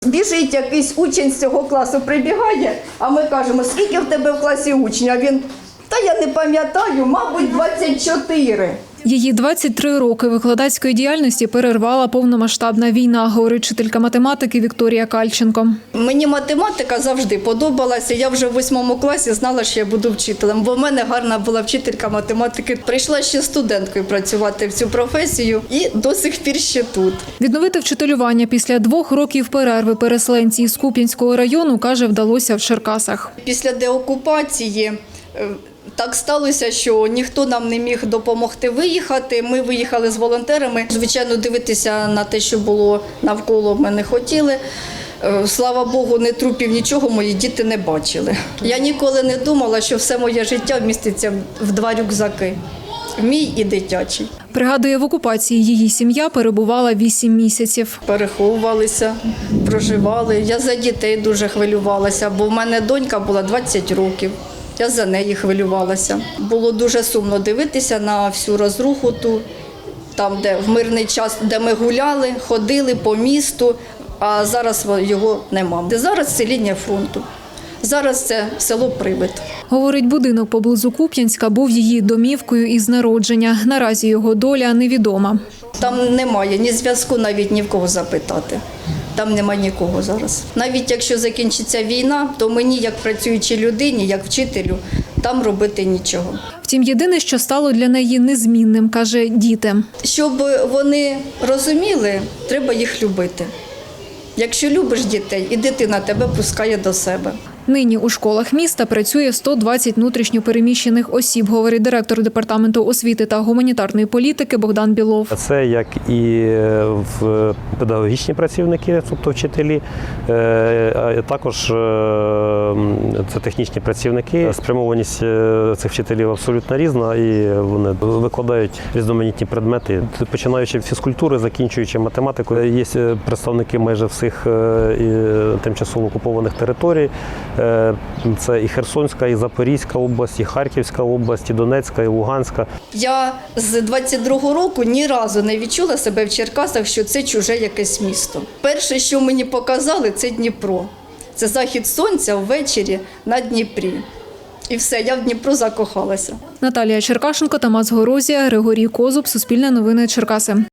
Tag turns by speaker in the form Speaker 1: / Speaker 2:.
Speaker 1: Біжить якийсь учень з цього класу, прибігає, а ми кажемо, скільки в тебе в класі учнів? А він, та я не пам'ятаю, мабуть, 24.
Speaker 2: Її 23 роки викладацької діяльності перервала повномасштабна війна, говорить вчителька математики Вікторія Кальченко.
Speaker 1: Мені математика завжди подобалася. Я вже в 8 класі знала, що я буду вчителем, бо в мене гарна була вчителька математики. Прийшла ще студенткою працювати в цю професію і до сих пір ще тут.
Speaker 2: Відновити вчителювання після 2 років перерви переселенці із Куп'янського району, каже, вдалося в Черкасах.
Speaker 1: Після деокупації так сталося, що ніхто нам не міг допомогти виїхати. Ми виїхали з волонтерами. Звичайно, дивитися на те, що було навколо, ми не хотіли. Слава Богу, ні трупів, нічого мої діти не бачили. Я ніколи не думала, що все моє життя вміститься в 2 рюкзаки – мій і дитячий.
Speaker 2: Пригадує, в окупації її сім'я перебувала 8 місяців.
Speaker 1: Переховувалися, проживали. Я за дітей дуже хвилювалася, бо в мене донька була 20 років. Я за неї хвилювалася. Було дуже сумно дивитися на всю розруху ту, там, де в мирний час, де ми гуляли, ходили по місту, а зараз його нема. Зараз це лінія фронту. Зараз це село Прип'ять.
Speaker 2: Говорить, будинок поблизу Куп'янська був її домівкою із народження. Наразі його доля невідома.
Speaker 1: Там немає ні зв'язку, навіть ні в кого запитати. Там немає нікого зараз. Навіть якщо закінчиться війна, то мені, як працюючій людині, як вчителю, там робити нічого.
Speaker 2: Втім, єдине, що стало для неї незмінним, каже, діти.
Speaker 1: Щоб вони розуміли, треба їх любити. Якщо любиш дітей, і дитина тебе пускає до себе.
Speaker 2: Нині у школах міста працює 120 внутрішньо переміщених осіб, говорить директор департаменту освіти та гуманітарної політики Богдан Білов.
Speaker 3: Це як і в педагогічні працівники, тобто вчителі, а також це технічні працівники. Спрямованість цих вчителів абсолютно різна і вони викладають різноманітні предмети, починаючи від фізкультури, закінчуючи математикою. Є представники майже всіх тимчасово окупованих територій. Це і Херсонська, і Запорізька область, і Харківська область, і Донецька, і Луганська.
Speaker 1: Я з 22-го року ні разу не відчула себе в Черкасах, що це чуже якесь місто. Перше, що мені показали, це Дніпро. Це захід сонця ввечері на Дніпрі. І все, я в Дніпро закохалася.
Speaker 2: Наталія Черкашенко, Тамас Горозія, Григорій Козуб, Суспільне новини, Черкаси.